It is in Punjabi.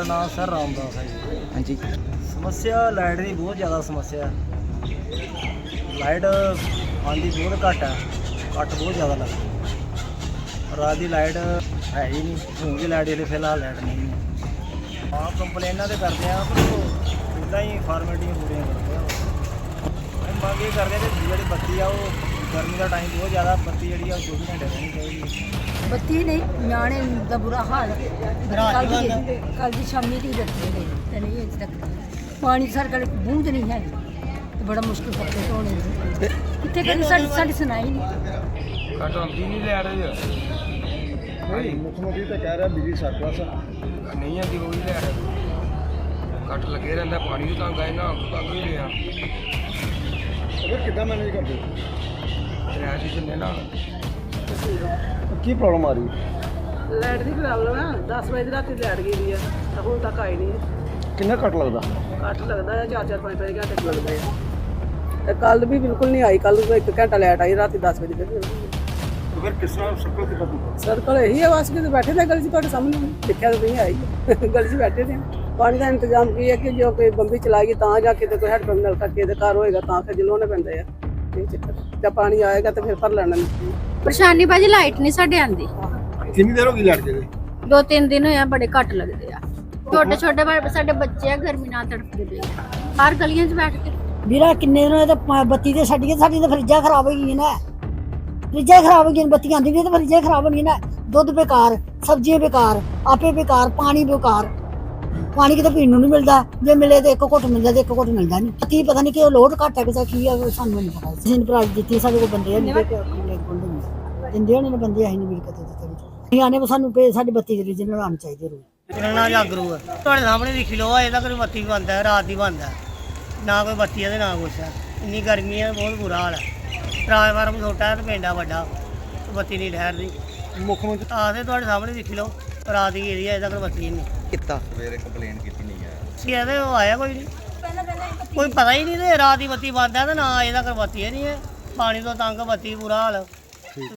मेरा नाम सर रामदास है जी। हाँ जी। समस्या लाइट की बहुत ज़्यादा समस्या है। लाइट आँदी बहुत घट है, कट बहुत ज़्यादा लगता। रात की लाइट है ही नहीं, हूँ की लाइट जी फिलहाल लाइट नहीं है। हाँ कंप्लेना तो करते हैं पर इदा ही फॉर्मेलिटियाँ पूरी करते हैं। मंग ये करते हैं कि जी बत्ती आ वो गर्मी का टाइम बहुत ज़्यादा बत्ती जी 24 घंटे रहनी चाहिए। बत्ती नहीं न्याणे का बुरा हाल कल की शामी की बत्ती नहीं अजे तक पानी सर कल बूंद नहीं है तो बड़ा मुश्किल कपड़े धोने कितने कभी साड़ी सुनाई नहीं कट आती नहीं लैट मुख्यमंत्री तो कह रहा बिजली सरप्लस नहीं आती वो भी लैट कट लगे रहता पानी भी तंग आए ना तंग भी लिया कि मैनेज करते रैश चलने ना की प्रॉब्लम आ रही लाइट की प्रॉब्लम है 10 बजे रात लाइट गई है तो ਹੁਣ तक आई नहीं कितना कट लगता ਕੱਟ लगता है 4-4 5-5 घंटे लगते हैं ਤੇ ਕੱਲ ਵੀ ਬਿਲਕੁਲ ਨਹੀਂ ਆਈ ਕੱਲ 1 ਘੰਟਾ ਲਾਈਟ ਆਈ ਰਾਤੀ 10 ਵਜੇ फिर किस तरह सर्कल कितना ਸਰਕਲ ਇਹੀ ਹੈ ਬਸ ਕਿ ਬੈਠੇ ਤੇ ਗਲੀ 'ਚ ਤੁਹਾਡੇ ਸਾਹਮਣੇ ਦੇਖਿਆ ਤਾਂ ਨਹੀਂ ਆਈ ਗਲੀ 'ਚ ਬੈਠੇ थे ਪਾਣੀ ਦਾ ਇੰਤਜ਼ਾਮ ਕੀ ਹੈ ਕਿ ਜੋ ਕੋਈ ਬੰਬੀ ਚਲਾਏਗੀ ਤਾਂ ਜਾ ਕੇ ਤੇ ਕੋਈ ਹੈਡ ਪੰਪ ਨਲਕਾ ਕੇ ਦੇ ਘਰ ਹੋਏਗਾ ਤਾਂ ਫਿਰ ਜਲੋਣੇ ਪੈਂਦੇ ਆ ਇਹ ਚੱਕਰ ਜਦ ਪਾਣੀ ਆਏਗਾ ਤਾਂ ਫਿਰ ਭਰ ਲੈਣਾ ਪਰੇਸ਼ਾਨੀ ਭਾਜੀ ਲਾਈਟ ਨਹੀਂ ਸਾਡੇ ਆਂਦੀ कितनी देर होगी लाइट के 2-3 ਦਿਨ ਹੋਇਆ ਬੜੇ ਘੱਟ ਲੱਗਦੇ ਆ ਛੋਟੇ ਛੋਟੇ ਸਾਡੇ ਬੱਚੇ ਆ ਗਰਮੀ ਨਾਲ ਤੜਫਦੇ ਪਏ ਆ ਬਾਹਰ ਗਲੀਆਂ 'ਚ ਬੈਠ ਕੇ ਵੀਰਾ ਕਿੰਨੇ ਦਿਨ ਹੋਏ ਤੇ ਬੱਤੀ ਤੇ ਛੱਡ ਕੇ ਸਾਡੀ ਤਾਂ ਫਰਿੱਜਾਂ ਖਰਾਬ ਹੋ ਗਈਆਂ ਨੇ ਫਰਿੱਜਾਂ ਖਰਾਬ ਹੋ ਗਈਆਂ ਬੱਤੀ ਆਂਦੀ ਵੀ ਤੇ ਫਰਿੱਜਾਂ ਖਰਾਬ ਹੋ ਗਈਆਂ ਨੇ ਦੁੱਧ ਬੇਕਾਰ ਸਬਜ਼ੀਆਂ ਬੇਕਾਰ ਆਪੇ ਬੇਕਾਰ ਪਾਣੀ ਬੇਕਾਰ ਪਾਣੀ ਕਿਤੇ ਪੀਣ ਨੂੰ ਨਹੀਂ ਮਿਲਦਾ ਜੇ ਮਿਲੇ ਤੇ ਇੱਕ ਘੁੱਟ ਮਿਲਦਾ ਤੇ ਇੱਕ ਘੁੱਟ ਮਿਲਦਾ ਨਹੀਂ ਕੀ ਪਤਾ ਨਹੀਂ ਕਿ ਉਹ ਲੋਡ ਘੱਟ ਹੈ ਕਿ ਕੀ ਆ ਸਾਨੂੰ ਨਹੀਂ ਪਤਾ ਜਿੰਨ ਪ੍ਰਾਈਜ਼ ਦਿੱਤੀ ਸਾਡੇ ਕੋਲ ਬੰਦੇ ਨਹੀਂ ਦਿੰਦੇ ਹੋਣੇ ਨੇ ਬੰਦੇ ਅਸੀਂ ਨਹੀਂ ਮਿਲ ਕੇ ਦਿੱਤੇ ਨਹੀਂ ਆਨੇ ਸਾਨੂੰ ਸਾਡੀ ਬੱਤੀ ਦੇ ਰੀਜਨਲ ਆਉਣੀ ਚਾਹੀਦੀ ਰੋ ਕਿੰਨਾ ਜਾਗਰੂ ਹੈ ਤੁਹਾਡੇ ਸਾਹਮਣੇ ਦੇਖੀ ਲੋ ਇਹਦਾ ਕੋਈ ਬੱਤੀ ਬੰਦ ਹੈ ਰਾਤ ਦੀ ਬੰਦ ਹੈ ਨਾ ਕੋਈ ਬੱਤੀ ਹੈ ਤੇ ਨਾ ਕੁਛ ਹੈ ਇੰਨੀ ਗਰਮੀ ਹੈ ਬਹੁਤ ਬੁਰਾ ਹਾਲ ਹੈ ਟਰਾਂਸਫਾਰਮ ਛੋਟਾ ਹੈ ਤੇ ਪਿੰਡਾ ਵੱਡਾ ਬੱਤੀ ਨਹੀਂ ਠਹਿਰਦੀ मुख्य मंत्री ਆਖਦੇ ਤੁਹਾਡੇ ਸਾਹਮਣੇ ਦੇਖੀ ਲੋ ਰਾਤ ਦੀ ਏਰੀਆ ਇਹਦਾ ਕੋਈ ਬੱਤੀ ਨਹੀਂ कितना सवेरे कंप्लेन की नहीं है ਸੀ ਇਹਦੇ ਉਹ ਆਇਆ ਕੋਈ ਨਹੀਂ ਕੋਈ ਪਤਾ ਹੀ ਨਹੀਂ ਤੇ ਰਾਤ ਦੀ ਬੱਤੀ ਬੰਦ ਹੈ ਤੇ ਨਾ ਇਹਦਾ ਕੋਈ ਬੱਤੀ ਨਹੀਂ ਹੈ ਪਾਣੀ ਤੋਂ ਤੰਗ ਬੱਤੀ ਬੁਰਾ ਹਾਲ